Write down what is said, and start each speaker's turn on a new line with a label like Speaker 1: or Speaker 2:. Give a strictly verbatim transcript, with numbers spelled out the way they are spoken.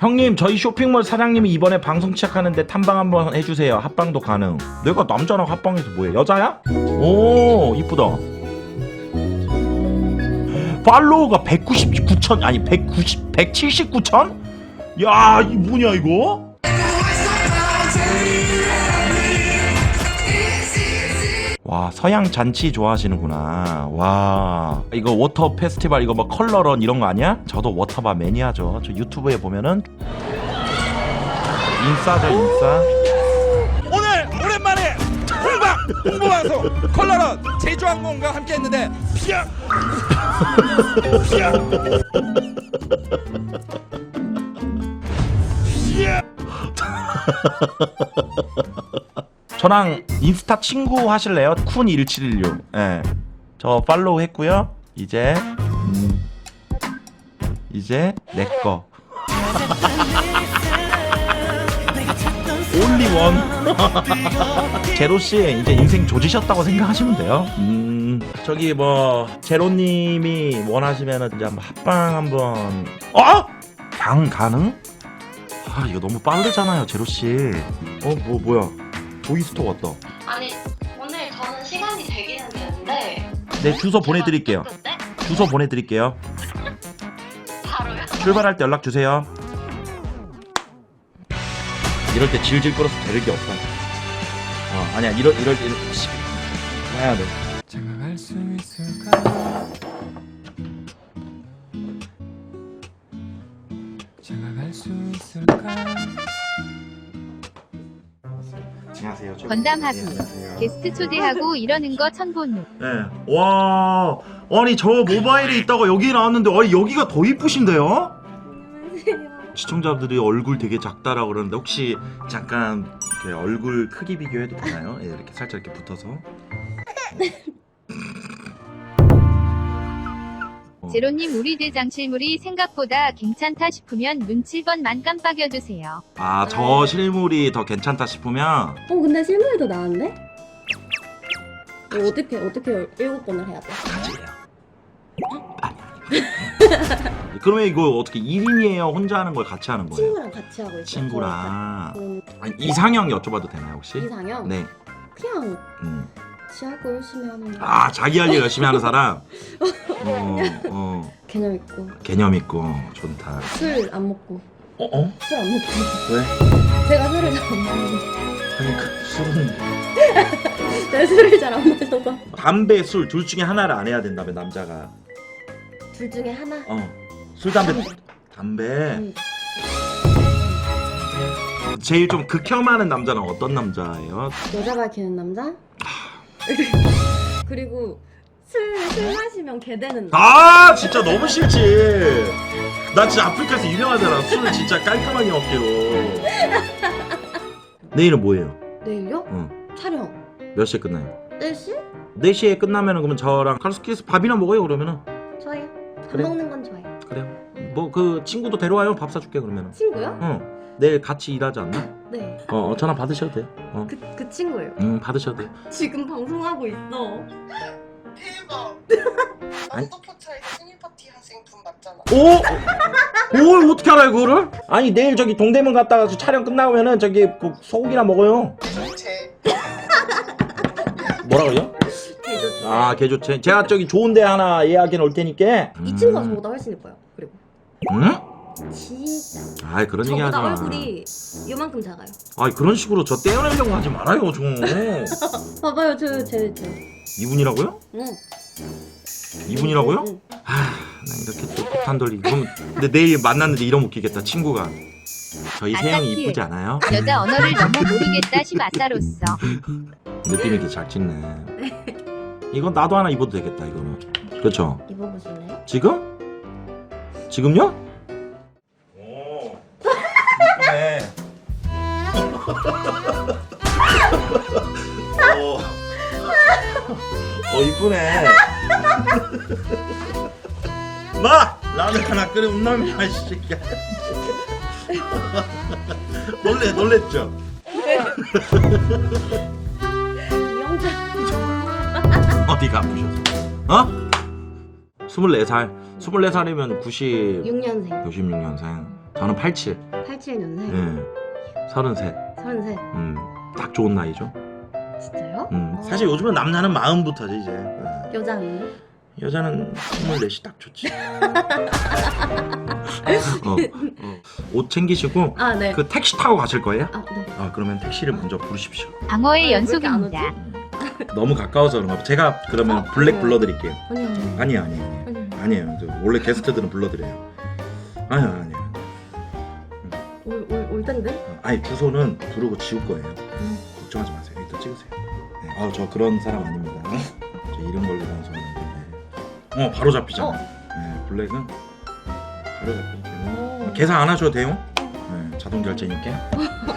Speaker 1: 형님 저희 쇼핑몰 사장님이 이번에 방송 시작하는데 탐방 한번 해주세요. 합방도 가능. 내가 남자랑 합방해서 뭐해? 여자야? 오 이쁘다. 팔로워가 백구십구 천 아니 백구십 백칠십구 천? 야 이 뭐냐 이거? 와 서양 잔치 좋아하시는구나. 와 이거 워터 페스티벌 이거 뭐 컬러런 이런 거 아니야? 저도 워터바 매니아죠. 저 유튜브에 보면은 인싸죠 인싸.
Speaker 2: 오늘 오랜만에 홍박 홍보방송 컬러런 제주항공과 함께했는데 피야 피야 피야.
Speaker 1: 저랑 인스타 친구 하실래요? 쿤 일칠일육. 예. 저 팔로우 했고요. 이제 음, 이제 내꺼 올리 원. 제로씨 이제 인생 조지셨다고 생각하시면 돼요. 음 저기 뭐 제로님이 원하시면은 이제 한번 합방 한번. 어? 양 가능? 아 이거 너무 빠르잖아요 제로씨. 어 뭐 뭐야 도이스토 왔다.
Speaker 3: 아니 오늘 저는 시간이 되기는 되는데
Speaker 1: 네 주소 보내드릴게요.
Speaker 3: 그때?
Speaker 1: 주소 보내드릴게요.
Speaker 3: 바로요?
Speaker 1: 출발할 때 연락 주세요. 이럴 때 질질 끌어서 되는 게 없어. 어 아니야 이럴 이럴 때 이럴 때 해야 돼.
Speaker 2: 장가갈 수 있을까? 장가갈 수 있을까?
Speaker 1: 안녕하세요. 저-
Speaker 4: 건담하고
Speaker 1: 네, 안녕하세요.
Speaker 4: 게스트 초대하고 이러는 거 천본우.
Speaker 1: 네. 와 아니 저 모바일에 있다가 여기 나왔는데 아니 여기가 더 이쁘신데요? 시청자분들이 얼굴 되게 작다라고 그러는데 혹시 잠깐 이렇게 얼굴 크기 비교해도 되나요? 예, 이렇게 살짝 이렇게 붙어서. 어.
Speaker 4: 제로님 우리 대장실물이 생각보다 괜찮다 싶으면 눈 칠 번만 깜빡여주세요.
Speaker 1: 아, 저 실물이 더 괜찮다 싶으면
Speaker 5: 어 근데 실물이 더 나은데? 어, 어떻게 어떻게 일곱 번을 해야 돼?
Speaker 1: 가지래요. 아니. 그러면 이거 어떻게 일 인이에요? 혼자 하는 걸 같이 하는 거예요?
Speaker 5: 친구랑 같이 하고 있어요.
Speaker 1: 친구랑.
Speaker 5: 음,
Speaker 1: 아니, 이상형 여쭤봐도 되나요 혹시?
Speaker 5: 이상형?
Speaker 1: 네.
Speaker 5: 그냥
Speaker 1: 음.
Speaker 5: 지 할 거 열심히 하는 거.
Speaker 1: 아 자기 할 일 열심히 하는 사람. 어, 어
Speaker 5: 개념 있고
Speaker 1: 개념 있고 좋다.
Speaker 5: 술 안 먹고
Speaker 1: 어 어?
Speaker 5: 술 안 먹고
Speaker 1: 왜?
Speaker 5: 제가 술을 잘 안 마셔서
Speaker 1: 아니 그 술은
Speaker 5: 내 술을 잘 안 마셔서
Speaker 1: 담배 술 둘 중에 하나를 안 해야 된다며 남자가.
Speaker 5: 둘 중에 하나.
Speaker 1: 어술 담배
Speaker 5: 담배.
Speaker 1: 담배.
Speaker 5: 음.
Speaker 1: 제일 좀 극혐하는 남자는 어떤 남자예요?
Speaker 5: 여자 밝히는 남자? 그리고 술, 술 마시면 개 되는 남자.
Speaker 1: 아 진짜 너무 싫지. 나 진짜 아프리카에서 유명하잖아. 술을 진짜 깔끔하게 먹기로. 내일은 뭐예요?
Speaker 5: 내일요?
Speaker 1: 응.
Speaker 5: 촬영
Speaker 1: 몇 시에 끝나요?
Speaker 5: 네 시?
Speaker 1: 네 시에 끝나면은 그러면 저랑 카르스키에서 밥이나 먹어요 그러면은.
Speaker 5: 좋아요. 밥
Speaker 1: 그래.
Speaker 5: 먹는 건 좋아요.
Speaker 1: 그래요. 뭐 그 친구도 데려와요. 밥 사줄게 그러면은.
Speaker 5: 친구요?
Speaker 1: 응. 내일 같이 일하지 않나?
Speaker 5: 네.
Speaker 1: 어, 어 전화 받으셔도 돼요. 어.
Speaker 5: 그, 그 친구예요.
Speaker 1: 응 받으셔도 돼요.
Speaker 5: 지금 방송하고 있어.
Speaker 6: 대박.
Speaker 1: 아니.
Speaker 6: 맘도포차에서 생일 파티 하신 분 맞잖아.
Speaker 1: 오? 오 어떻게 알아요 그거를? 아니 내일 저기 동대문 갔다가 저 촬영 끝나면은 저기 그 소고기나 먹어요.
Speaker 6: 제
Speaker 1: 뭐라고요?
Speaker 5: 개좋지.
Speaker 1: 아 개좋지. 제가 저기 좋은데 하나 예약해 놓을 테니까.
Speaker 5: 이 친구가 저보다 훨씬 예뻐요. 그리고
Speaker 1: 응?
Speaker 5: 진짜
Speaker 1: 아이 그런 얘기 하지
Speaker 5: 저보다
Speaker 1: 마.
Speaker 5: 얼굴이 요만큼 작아요.
Speaker 1: 아이 그런 식으로 저 떼어내려고 하지 말아요 좀.
Speaker 5: 봐봐요, 저제 제.
Speaker 1: 이분이라고요?
Speaker 5: 응.
Speaker 1: 이분이라고요?
Speaker 5: 응.
Speaker 1: 아, 나 이렇게 또 폭탄 돌리기. 그럼 근데 내일 만났는데 이러면 웃기겠다. 친구가. 저희 세영이
Speaker 4: 아싸키.
Speaker 1: 이쁘지 않아요?
Speaker 4: 여자 언어를 너무 모르겠다 심아싸로서.
Speaker 1: 느낌 있게 잘 찍네. 이건 나도 하나 입어도 되겠다 이거는. 그렇죠?
Speaker 5: 입어보실래요?
Speaker 1: 지금? 지금요? 오, 이쁘네. 오, 어 이쁘네. 마 라면 하나 끓여 운남이야 새끼야. 놀래 놀랬죠?
Speaker 5: 이영자.
Speaker 1: 어디가 아프셔서? 어? 스물네 살 스물네 살이면 구십
Speaker 5: 육 년생.
Speaker 1: 구십육 년생 저는 팔십칠.
Speaker 5: 팔십칠 년생.
Speaker 1: 예. 서른셋.
Speaker 5: 서른셋.
Speaker 1: 음. 딱 좋은 나이죠.
Speaker 5: 진짜요?
Speaker 1: 음.
Speaker 5: 어.
Speaker 1: 사실 요즘은 남자는 마음부터지 이제. 예.
Speaker 5: 여자는요?
Speaker 1: 여자는 스물넷이 딱 좋지. 어, 어. 옷 챙기시고
Speaker 5: 아 네.
Speaker 1: 그 택시 타고 가실 거예요?
Speaker 5: 아 네.
Speaker 1: 아 그러면 택시를 먼저 부르십시오.
Speaker 4: 방어의
Speaker 5: 아, 왜 이렇게 안
Speaker 4: 연속입니다.
Speaker 1: 너무 가까워서 그런가 봐. 제가 그러면
Speaker 5: 어,
Speaker 1: 블랙
Speaker 5: 네.
Speaker 1: 불러드릴게요.
Speaker 5: 아니요 아니요.
Speaker 1: 아니에요, 아니에요.
Speaker 5: 아니요.
Speaker 1: 아니에요. 저 원래 게스트들은 불러드려요. 아니요, 아니에요.
Speaker 5: 올올 텐데?
Speaker 1: 어, 아니 주소는 부르고 지울 거예요.
Speaker 5: 음.
Speaker 1: 걱정하지 마세요. 일단 찍으세요. 네. 아, 저 그런 사람 아닙니다. 저 이름 걸고 방송하는데. 네. 어, 바로 잡히잖아.
Speaker 5: 어.
Speaker 1: 네, 블랙은 바로 잡히죠.
Speaker 5: 오.
Speaker 1: 계산 안 하셔도 돼요. 네, 자동 결제니까.